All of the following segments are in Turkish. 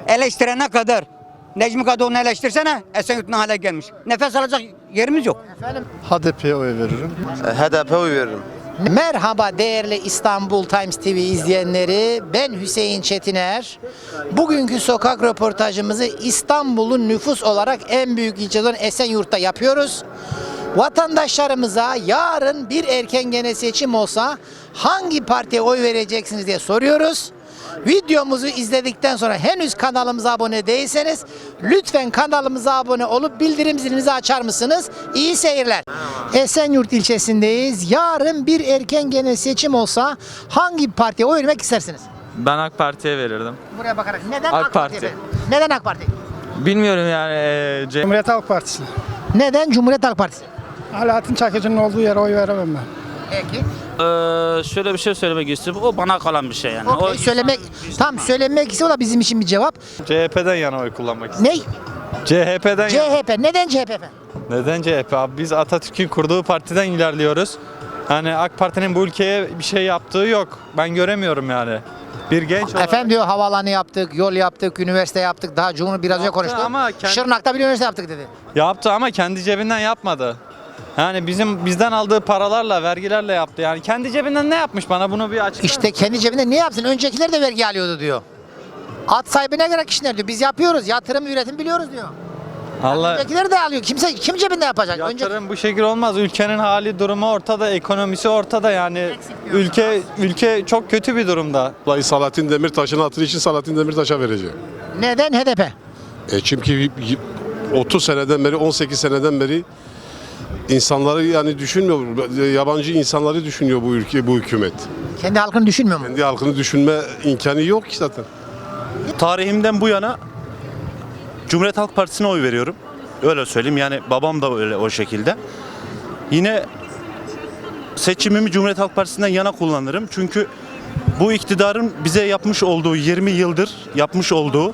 Eleştirene kadar. Necmi Kadıoğlu'nu eleştirsene. Esenyurt ne hale gelmiş. Nefes alacak yerimiz yok. Efendim? HDP'ye oy veririm. HDP'ye oy veririm. Merhaba değerli İstanbul Times TV izleyenleri. Ben Hüseyin Çetiner. Bugünkü sokak röportajımızı İstanbul'un nüfus olarak en büyük ilçesi olan Esenyurt'ta yapıyoruz. Vatandaşlarımıza yarın bir erken genel seçim olsa hangi partiye oy vereceksiniz diye soruyoruz. Videomuzu izledikten sonra henüz kanalımıza abone değilseniz lütfen kanalımıza abone olup bildirim zilinizi açar mısınız? İyi seyirler. Esenyurt ilçesindeyiz. Yarın bir erken genel seçim olsa hangi partiye oy vermek istersiniz? Ben AK Parti'ye verirdim. Buraya bakarak. Neden AK AK Parti. Parti efendim? Neden AK Parti? Bilmiyorum yani. Cumhuriyet Halk Partisi. Neden Cumhuriyet Halk Partisi? Alaaddin Çakıcı'nın olduğu yere oy veremem ben. Peki. Şöyle bir şey söylemek istiyorum. O bana kalan bir şey yani. Okay, söylemek ise o da bizim için bir cevap. CHP'den yana oy kullanmak istiyorum. Ne? CHP'den yana. CHP. Neden CHP efendim? Neden CHP abi? Biz Atatürk'ün kurduğu partiden ilerliyoruz. Yani AK Parti'nin bu ülkeye bir şey yaptığı yok. Ben göremiyorum yani. Bir genç olarak. Efendim diyor havaalanı yaptık, yol yaptık, üniversite yaptık. Daha Cumhur biraz önce konuştu. ama Şırnak'ta bir üniversite yaptık dedi. Yaptı ama kendi cebinden yapmadı. Yani bizden aldığı paralarla, vergilerle yaptı. Yani kendi cebinden ne yapmış bana bunu bir açıklar. İşte kendi cebinde ne yapsın? Öncekiler de vergi alıyordu diyor. At sahibine göre kişiler diyor. Biz yapıyoruz. Yatırım, üretim biliyoruz diyor. Allah Öncekiler de alıyor. Kim cebinde yapacak? yatırım bu şekilde olmaz. Ülkenin hali, durumu ortada, ekonomisi ortada yani. Ülke çok kötü bir durumda. Vallahi Selahattin Demirtaş'ın hatırı için Selahattin Demirtaş'a vereceğim. Neden HDP? Çünkü 30 seneden beri, 18 seneden beri insanları yani düşünmüyor. Yabancı insanları düşünüyor bu ülke, bu hükümet. Kendi halkını düşünmüyor mu? Kendi halkını düşünme imkanı yok ki zaten. Tarihimden bu yana Cumhuriyet Halk Partisi'ne oy veriyorum. Öyle söyleyeyim yani babam da öyle o şekilde. Yine seçimimi Cumhuriyet Halk Partisi'nden yana kullanırım. Çünkü bu iktidarın bize yapmış olduğu 20 yıldır yapmış olduğu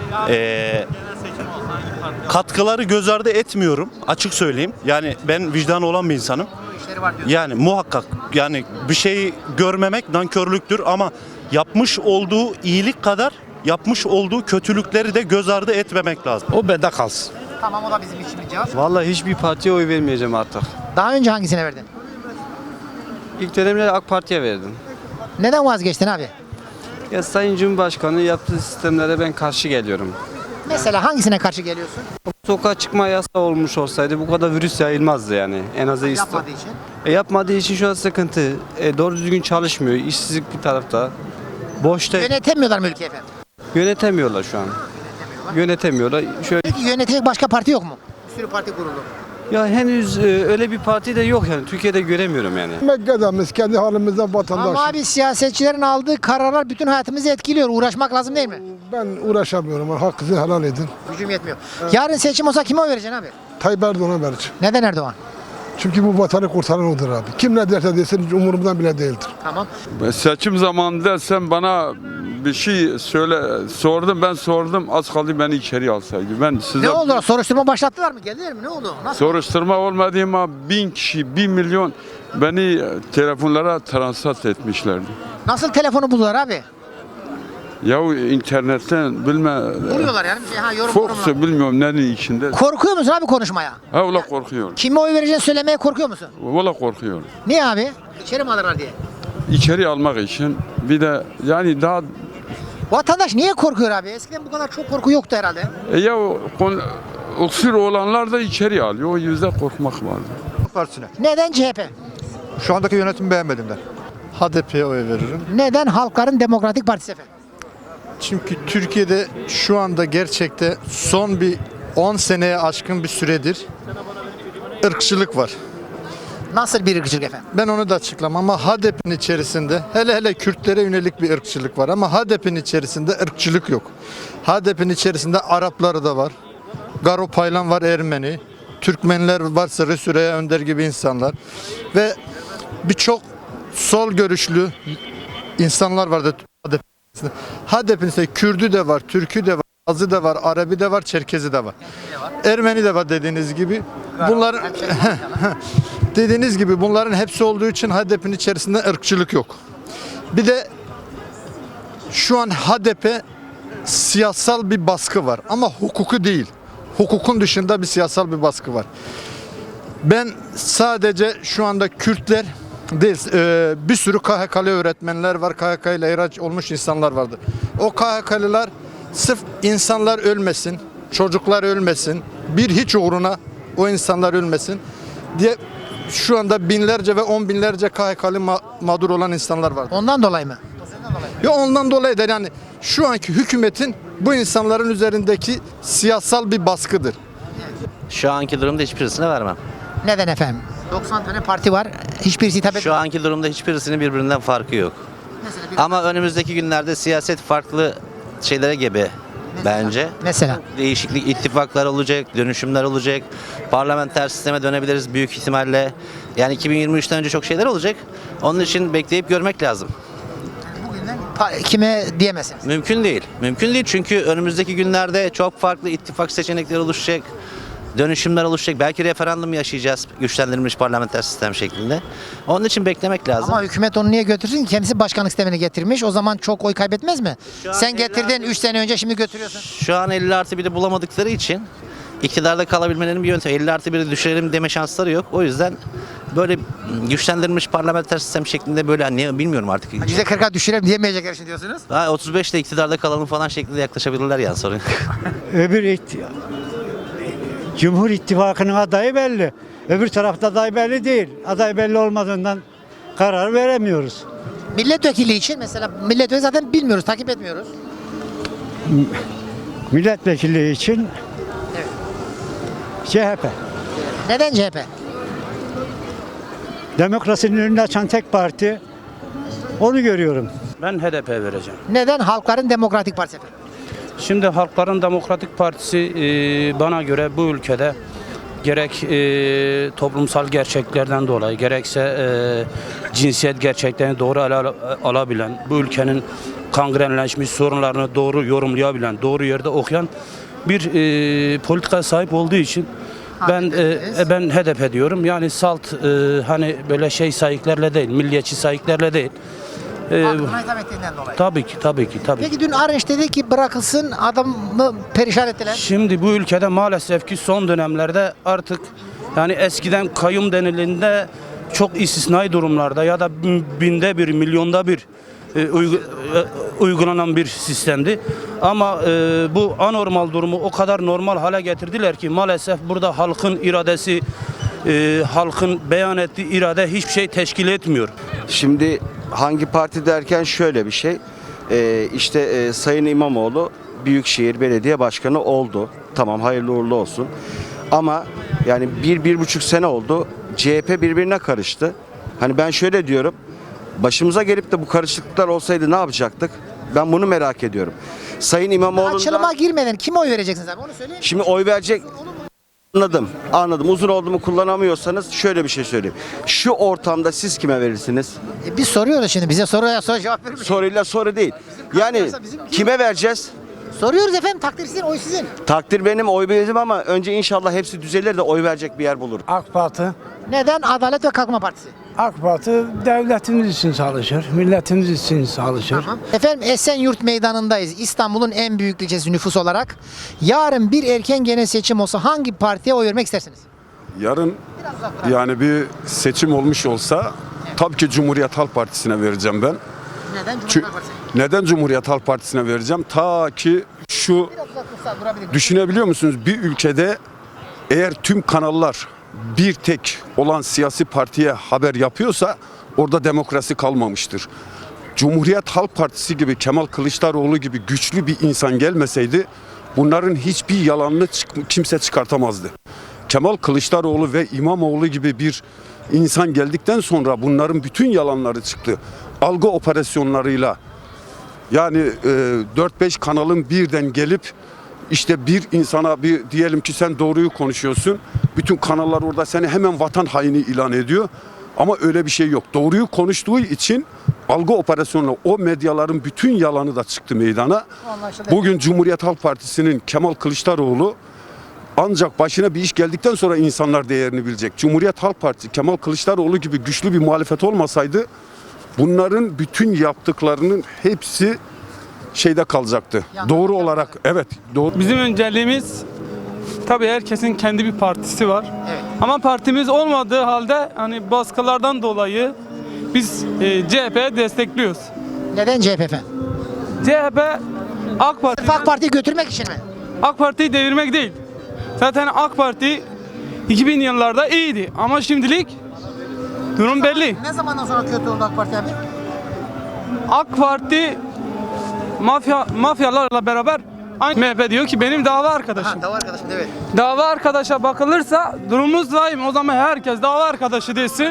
katkıları göz ardı etmiyorum. Açık söyleyeyim. Yani ben vicdanı olan bir insanım. Yani muhakkak yani bir şeyi görmemek nankörlüktür ama yapmış olduğu iyilik kadar yapmış olduğu kötülükleri de göz ardı etmemek lazım. O bende kalsın. Tamam, o da bizim için bir cevap. Vallahi hiçbir partiye oy vermeyeceğim artık. Daha önce hangisine verdin? İlk dönemde AK Parti'ye verdim. Neden vazgeçtin abi? Ya Sayın Cumhurbaşkanı yaptığı sistemlere ben karşı geliyorum. Mesela hangisine karşı geliyorsun? Sokağa çıkma yasağı olmuş olsaydı bu kadar virüs yayılmazdı yani. En azı Yapmadığı için. yapmadığı için şu an sıkıntı. Doğru düzgün çalışmıyor. İşsizlik bir tarafta. Boşta Yönetemiyorlar mı ülkeyi efendim? yönetemiyorlar şu an. Yönetemiyorlar. Şöyle Peki yönetecek başka parti yok mu? Bir sürü parti kuruldu. ya henüz öyle bir parti de yok yani. Türkiye'de göremiyorum yani. Mekke'demiz kendi halimizden vatandaş. Ama abi siyasetçilerin aldığı kararlar bütün hayatımızı etkiliyor. Uğraşmak lazım değil mi? Ben uğraşamıyorum. Hakkınızı helal edin. Gücüm yetmiyor. Yarın seçim olsa kime oy vereceksin abi? Tayyip Erdoğan'a vereceğim. Neden Erdoğan? Çünkü bu vatanı kurtaran odur abi. Kim ne derse desin umurumdan bile değildir. Tamam. Seçim zamanında sen bana bir şey sordum, ben sordum, az kaldı beni içeri alsaydı. Ben size Ne oldu? Soruşturma başlattılar mı? Geldiler mi? Ne oldu? Nasıl? soruşturma olmadı ama 1000 kişi, 1 milyon beni telefonlara transat etmişlerdi. Nasıl telefonu buldular abi? Yahu internetten bilme, Buluyorlar yani. Bir şey, yorum Fox'u bilmiyorum nenin içinde. Korkuyor musun abi konuşmaya? Ha ola korkuyorum, Kime oy vereceğini söylemeye korkuyor musun? ola korkuyorum. Niye abi? İçeri mi alırlar diye. İçeri almak için bir de yani daha Vatandaş niye korkuyor abi? Eskiden bu kadar çok korku yoktu herhalde. öksür olanlar da içeri alıyor. O yüzden korkmak vardı. Partisine. Neden CHP? Şu andaki yönetimi beğenmedimden. HDP'ye oy veririm. Neden Halkların Demokratik Partisi efendim? Çünkü Türkiye'de şu anda gerçekte son bir 10 seneye aşkın bir süredir ırkçılık var. Nasıl bir ırkçılık efendim? Ben onu da açıklamam ama HDP'nin içerisinde hele Kürtlere yönelik bir ırkçılık var ama HDP'nin içerisinde ırkçılık yok. HDP'nin içerisinde Arapları da var. Garo Paylan var, Ermeni. Türkmenler var, Sarı Süreyya Önder gibi insanlar. Ve birçok sol görüşlü insanlar vardı HDP'nin. HDP'nin içerisinde Kürdü de var, Türkü de var, Azı da var, Arabi de var, Çerkezi de var. Ermeni de var dediğiniz gibi. Bunların dediğiniz gibi bunların hepsi olduğu için HDP'nin içerisinde ırkçılık yok. Bir de şu an HDP siyasal bir baskı var ama hukuku değil. Hukukun dışında bir siyasal bir baskı var. Ben sadece şu anda Kürtler değil, bir sürü KHK'lı öğretmenler var, KHK ile ihraç olmuş insanlar vardı. O KHK'lılar sırf insanlar ölmesin, çocuklar ölmesin, bir hiç uğruna o insanlar ölmesin diye şu anda binlerce ve on binlerce KHK'lı mağdur olan insanlar var. Ondan dolayı mı? Ya ondan dolayı da yani şu anki hükümetin bu insanların üzerindeki siyasal bir baskıdır. Şu anki durumda hiçbirisine vermem. Neden efendim? 90 tane parti var. Hiçbirisi hitap Şu etmiyor. anki durumda hiçbirisinin birbirinden farkı yok. Ama önümüzdeki günlerde siyaset farklı şeylere gebe bence. Mesela. Değişiklik, ittifaklar olacak, dönüşümler olacak. Parlamenter sisteme dönebiliriz büyük ihtimalle. Yani 2023'ten önce çok şeyler olacak. Onun için bekleyip görmek lazım. Bugünden kime diyemezsiniz. Mümkün değil. Mümkün değil çünkü önümüzdeki günlerde çok farklı ittifak seçenekleri oluşacak. Dönüşümler oluşacak. Belki referandum yaşayacağız güçlendirilmiş parlamenter sistem şeklinde. Onun için beklemek lazım. Ama hükümet onu niye götürsün ki? Kendisi başkanlık sistemini getirmiş. O zaman çok oy kaybetmez mi? Şu an Sen getirdin 3 sene önce, şimdi götürüyorsun. Şu an 50+1'i bulamadıkları için iktidarda kalabilmelerinin bir yöntemi. 50+1'i düşürelim deme şansları yok. O yüzden böyle güçlendirilmiş parlamenter sistem şeklinde böyle hani bilmiyorum artık. %40'a düşürelim diyemeyecekler şimdi diyorsunuz. Daha 35'te iktidarda kalalım falan şeklinde yaklaşabilirler yani sorun. Cumhur İttifakı'nın adayı belli. Öbür tarafta aday belli değil. Aday belli olmadığından karar veremiyoruz. Milletvekili için mesela milletvekili zaten bilmiyoruz, takip etmiyoruz. Milletvekili için CHP. Neden CHP? Demokrasinin önünü açan tek parti. Onu görüyorum. Ben HDP vereceğim. Neden Halkların Demokratik Partisi efendim? Şimdi Halkların Demokratik Partisi bana göre bu ülkede gerek toplumsal gerçeklerden dolayı gerekse cinsiyet gerçeklerini doğru alabilen, bu ülkenin kangrenleşmiş sorunlarını doğru yorumlayabilen, doğru yerde okuyan bir politikaya sahip olduğu için ben HDP diyorum. Yani salt hani böyle şey sayıklarla değil, milliyetçi sayıklarla değil. Halkına hitap ettiğinden dolayı. Tabii ki. Peki dün Arınç dedi ki bırakılsın, adamı perişan ettiler. Şimdi bu ülkede maalesef ki son dönemlerde artık yani eskiden kayyum denildiğinde çok istisnai durumlarda ya da binde bir, milyonda bir uygulanan bir sistemdi. Ama bu anormal durumu o kadar normal hale getirdiler ki maalesef burada halkın iradesi, halkın beyan ettiği irade hiçbir şey teşkil etmiyor. Şimdi hangi parti derken şöyle bir şey. İşte Sayın İmamoğlu Büyükşehir Belediye Başkanı oldu. Tamam, hayırlı uğurlu olsun. Ama yani 1-1,5 sene oldu. CHP birbirine karıştı. Hani ben şöyle diyorum. Başımıza gelip de bu karışıklıklar olsaydı ne yapacaktık? Ben bunu merak ediyorum. Sayın İmamoğlu'ndan... Açılıma girmeden kime oy vereceksiniz abi? Onu söyleyin. Şimdi oy verecek... Anladım. Uzun oldu mu kullanamıyorsanız şöyle bir şey söyleyeyim. Şu ortamda siz kime verirsiniz? Biz soruyoruz şimdi. Bize soruya cevap verir misiniz? Soruyla soru değil. Yani kime vereceğiz? Soruyoruz efendim. Takdir sizin, oy sizin. Takdir benim, oy benim ama önce inşallah hepsi düzelir de oy verecek bir yer bulur. AK Parti. Neden? Adalet ve Kalkınma Partisi. AK Parti devletimiz için çalışır, milletimiz için çalışır. Tamam. Efendim Esenyurt Meydanı'ndayız. İstanbul'un en büyük ilçesi nüfus olarak. Yarın bir erken genel seçim olsa hangi partiye oy vermek istersiniz? Yarın yani bir seçim olmuş olsa tabii ki Cumhuriyet Halk Partisi'ne vereceğim ben. Neden Cumhuriyet Halk Partisi? Neden Cumhuriyet Halk Partisi'ne vereceğim? Ta ki şu düşünebiliyor musunuz? Bir ülkede eğer tüm kanallar bir tek olan siyasi partiye haber yapıyorsa orada demokrasi kalmamıştır. Cumhuriyet Halk Partisi gibi, Kemal Kılıçdaroğlu gibi güçlü bir insan gelmeseydi bunların hiçbir yalanını kimse çıkartamazdı. Kemal Kılıçdaroğlu ve İmamoğlu gibi bir insan geldikten sonra bunların bütün yalanları çıktı. Algı operasyonlarıyla yani 4-5 kanalın birden gelip işte bir insana bir diyelim ki sen doğruyu konuşuyorsun. Bütün kanallar orada seni hemen vatan haini ilan ediyor. Ama öyle bir şey yok. Doğruyu konuştuğu için algı operasyonuyla o medyaların bütün yalanı da çıktı meydana. Bugün Cumhuriyet Halk Partisi'nin Kemal Kılıçdaroğlu ancak başına bir iş geldikten sonra insanlar değerini bilecek. Cumhuriyet Halk Partisi Kemal Kılıçdaroğlu gibi güçlü bir muhalefet olmasaydı bunların bütün yaptıklarının hepsi şeyde kalacaktı. Doğru olarak evet doğru. Bizim önceliğimiz tabii herkesin kendi bir partisi var. Ama partimiz olmadığı halde hani baskılardan dolayı biz CHP'ye destekliyoruz. Neden CHP efendim? CHP AK Parti Sırf AK Parti'yi götürmek için mi? AK Parti'yi devirmek değil. Zaten AK Parti 2000 yıllarda iyiydi ama şimdilik durum belli. Ne zamandan sonra kötü oldu AK Parti abi? AK Parti mafyalarla beraber aynı MHP diyor ki benim dava arkadaşım. Dava arkadaşım evet. Dava arkadaşa bakılırsa durumumuz vahim. O zaman herkes dava arkadaşı desin.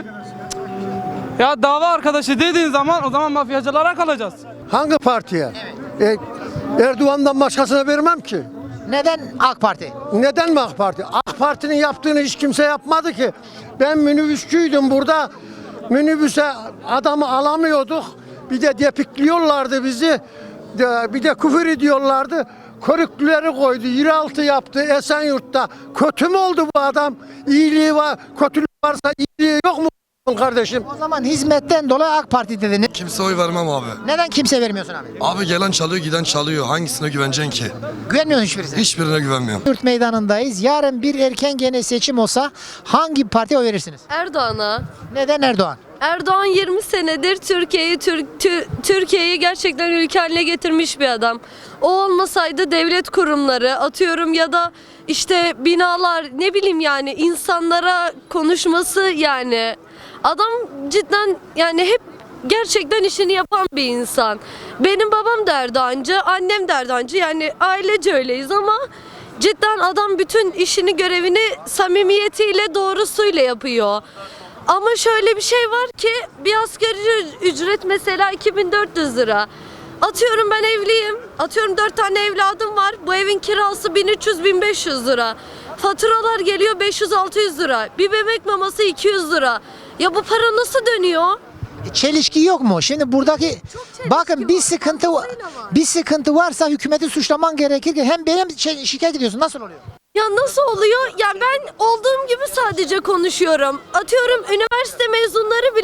Ya dava arkadaşı dediğin zaman o zaman mafyacılara kalacağız. Hangi partiye? Erdoğan'dan başkasına vermem ki. Neden AK Parti? Neden mi AK Parti? AK Parti'nin yaptığını hiç kimse yapmadı ki. Ben minibüsçüydüm burada. Minibüse adamı alamıyorduk. Bir de depikliyorlardı bizi. Bir de küfür ediyorlardı. Körüklüleri koydu. Yeraltı yaptı Esenyurt'ta. Kötü mü oldu bu adam? İyiliği var. Kötülüğü varsa iyiliği yok mu kardeşim? O zaman hizmetten dolayı AK Parti dediniz. Kimse oy vermem abi. Neden kimse vermiyorsun abi? Abi gelen çalıyor giden çalıyor. Hangisine güveneceksin ki? Güvenmiyorsun hiçbirisine. Hiçbirine güvenmiyorum. Yurt meydanındayız. Yarın bir erken genel seçim olsa hangi partiye oy verirsiniz? Erdoğan'a. Neden Erdoğan? Erdoğan 20 senedir Türkiye'yi gerçekten ülke haline getirmiş bir adam. O olmasaydı devlet kurumları atıyorum ya da işte binalar ne bileyim yani insanlara konuşması yani adam cidden yani hep gerçekten işini yapan bir insan. Benim babam da Erdoğancı, annem de Erdoğancı yani ailece öyleyiz ama cidden adam bütün işini görevini samimiyetiyle doğrusuyla yapıyor. Ama şöyle bir şey var ki bir asgari ücret mesela 2400 lira. Atıyorum ben evliyim. Atıyorum 4 tane evladım var. Bu evin kirası 1300-1500 lira. Faturalar geliyor 500-600 lira. Bir bebek maması 200 lira. Ya bu para nasıl dönüyor? Çelişki yok mu? Şimdi buradaki bakın bir sıkıntı varsa hükümeti suçlaman gerekir. Hem benim şikayet ediyorsun. Nasıl oluyor? Ya nasıl oluyor? Ya ben olduğum gibi sadece konuşuyorum. Atıyorum üniversite mezunları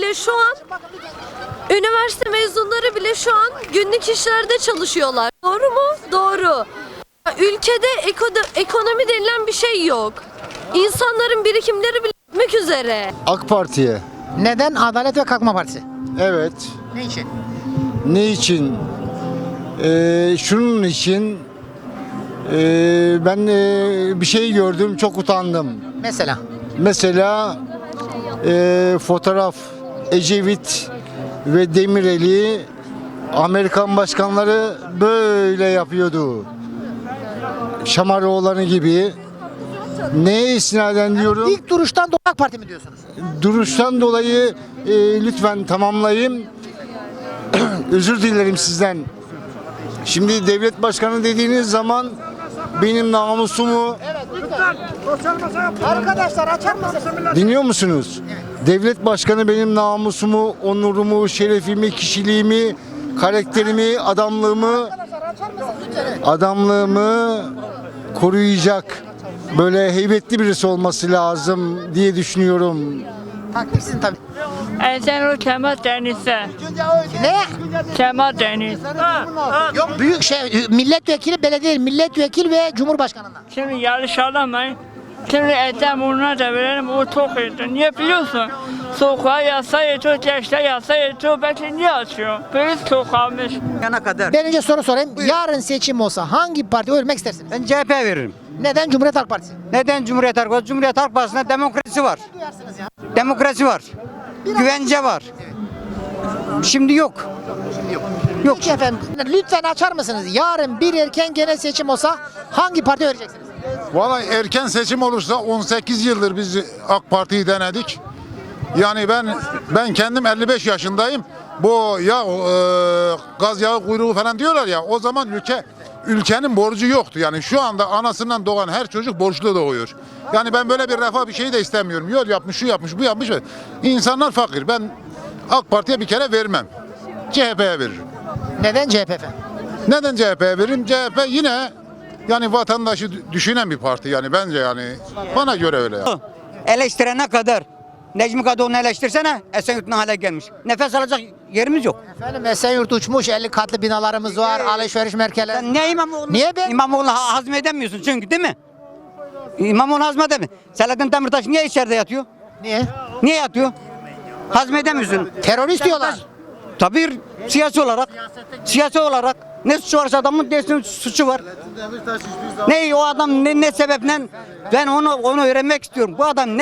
bile şu an günlük işlerde çalışıyorlar. Doğru mu? Doğru. Ülkede ekonomi denilen bir şey yok. İnsanların birikimleri bile bitmek üzere. AK Parti'ye. Neden? Adalet ve Kalkınma Partisi. Evet. Ne için? Ne için? Şunun için ben bir şey gördüm çok utandım. Mesela fotoğraf Ecevit ve Demirel'i Amerikan başkanları böyle yapıyordu. Şamaroğlan'ı gibi. Neye istinaden diyorum? İlk duruştan dolayı AK Parti mi diyorsunuz? Duruştan dolayı lütfen tamamlayayım. Özür dilerim sizden. Şimdi devlet başkanı dediğiniz zaman benim namusumu... Evet lütfen. Arkadaşlar açar mısınız? Dinliyor musunuz? Evet. Devlet başkanı benim namusumu, onurumu, şerefimi, kişiliğimi, karakterimi, adamlığımı koruyacak. Böyle heybetli birisi olması lazım diye düşünüyorum. Takipsin tabii. Esenur Kemal Deniz'de. Ne? Kemal Deniz. Yok büyük milletvekili, belediye milletvekili ve cumhurbaşkanından. Şimdi yarış alamayın. Şimdi Esenur'una da verelim, o çok iyiydi. Niye biliyorsun? Sokağa yasa yetiyor, gençler yasa yetiyor. Belki niye açıyor? Polis çok almış. Ben önce soru sorayım. Yarın seçim olsa hangi partiye oy vermek istersiniz? Ben CHP veririm. Neden? Cumhuriyet Halk Partisi. Neden Cumhuriyet Halk Partisi? Cumhuriyet Halk Partisi'nde demokrasi var. Demokrasi var. Güvence var. Şimdi yok. Yok. Peki efendim. Lütfen açar mısınız? Yarın bir erken genel seçim olsa hangi partiye vereceksiniz? Vallahi erken seçim olursa 18 yıldır biz AK Parti'yi denedik. Yani ben kendim 55 yaşındayım. Bu gaz yağı kuyruğu falan diyorlar ya, o zaman ülkenin borcu yoktu. Yani şu anda anasından doğan her çocuk borçlu doğuyor. Yani ben böyle bir refah bir şey de istemiyorum. Yol yapmış, şu yapmış, bu yapmış. İnsanlar fakir. Ben AK Parti'ye bir kere vermem. CHP'ye veririm. Neden CHP efendim? Neden CHP'ye veririm? CHP yine yani vatandaşı düşünen bir parti yani bence yani. Bana göre öyle. Eleştirene kadar Necmi Kadıoğlu'nu eleştirsene. Esenyurt ne hale gelmiş. Nefes alacak yerimiz yok. Efendim Esenyurt uçmuş, 50 katlı binalarımız var, alışveriş merkezleri. Sen niye İmamoğlu? Niye ben? İmamoğlu'nu hazmedemiyorsun çünkü değil mi? İmamoğlu hazmedemiyor. Selahattin Demirtaş niye içeride yatıyor? Niye? Niye yatıyor? Hazmedemiyorsun. Terörist diyorlar. Tabii siyasi olarak. Siyasi olarak. Ne suçu varsa adamın desin suçu var. Ne o adam ne sebeple ben onu öğrenmek istiyorum. Bu adam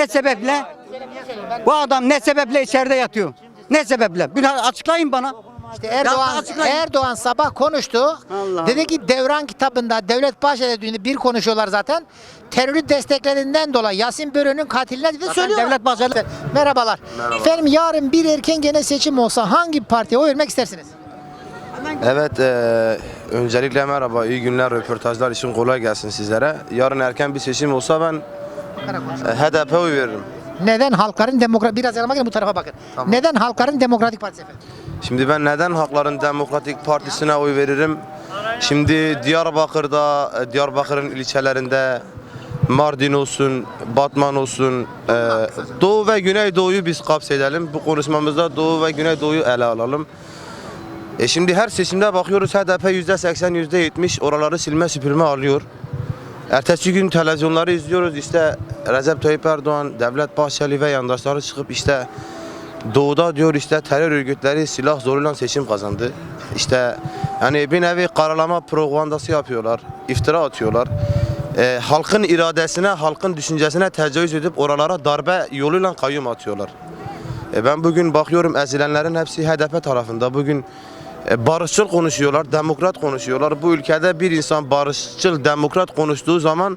ne sebeple içeride yatıyor? Ne sebeple? Bir açıklayın bana. İşte Erdoğan sabah konuştu. Dedi ki Devran kitabında Devlet Bahçeli'de bir konuşuyorlar zaten. Terörü desteklerinden dolayı Yasin Börü'nün katiline dedi söylüyor. Devlet Bahçeli. Merhabalar. Efendim yarın bir erken genel seçim olsa hangi partiye oy vermek istersiniz? Evet, öncelikle merhaba, iyi günler, röportajlar için kolay gelsin sizlere. Yarın erken bir seçim olsa ben HDP oy veririm. Neden Halkların Demokratik biraz yanıma gelin bu tarafa bakın. Tamam. Neden Halkların Demokratik Partisi efendim? Şimdi ben neden Halkların Demokratik Partisi'ne oy veririm? Şimdi Diyarbakır'ın ilçelerinde Mardin olsun, Batman olsun, Doğu ve Güneydoğu'yu biz kapsedelim. Bu konuşmamızda Doğu ve Güneydoğu'yu ele alalım. Şimdi her seçimde bakıyoruz HDP %80, %70 oraları silme süpürme alıyor. Ertesi gün televizyonları izliyoruz işte Recep Tayyip Erdoğan, Devlet Bahçeli ve yandaşları çıkıp işte Doğu'da diyor işte terör örgütleri silah zoruyla seçim kazandı. İşte yani bir nevi karalama propagandası yapıyorlar, iftira atıyorlar. Halkın iradesine, halkın düşüncesine tecavüz edip oralara darbe yoluyla kayyum atıyorlar. Ben bugün bakıyorum ezilenlerin hepsi HDP tarafında. Bugün barışçıl konuşuyorlar, demokrat konuşuyorlar. Bu ülkede bir insan barışçıl, demokrat konuştuğu zaman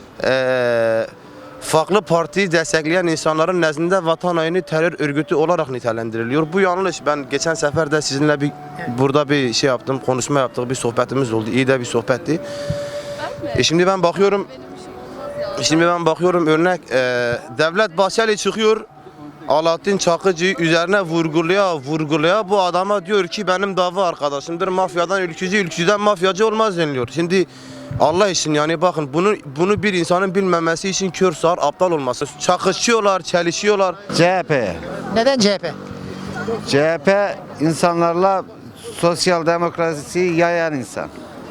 farklı partiyi destekleyen insanların nezdinde vatan haini terör örgütü olarak nitelendiriliyor. Bu yanlış. Ben geçen sefer de sizinle burada bir şey yaptım, konuşma yaptık, bir sohbetimiz oldu. İyi de bir sohbetti. Şimdi ben bakıyorum örnek Devlet Bahçeli çıkıyor. Alaaddin Çakıcı'yı üzerine vurgulaya bu adama diyor ki benim dava arkadaşımdır. Mafyadan ülkücü, ülkücüden mafyacı olmaz deniliyor. Şimdi Allah için yani bakın bunu bir insanın bilmemesi için kör sağır aptal olması. Çakışıyorlar, çelişiyorlar. CHP. Neden CHP? CHP insanlarla sosyal demokrasiyi yayan insan.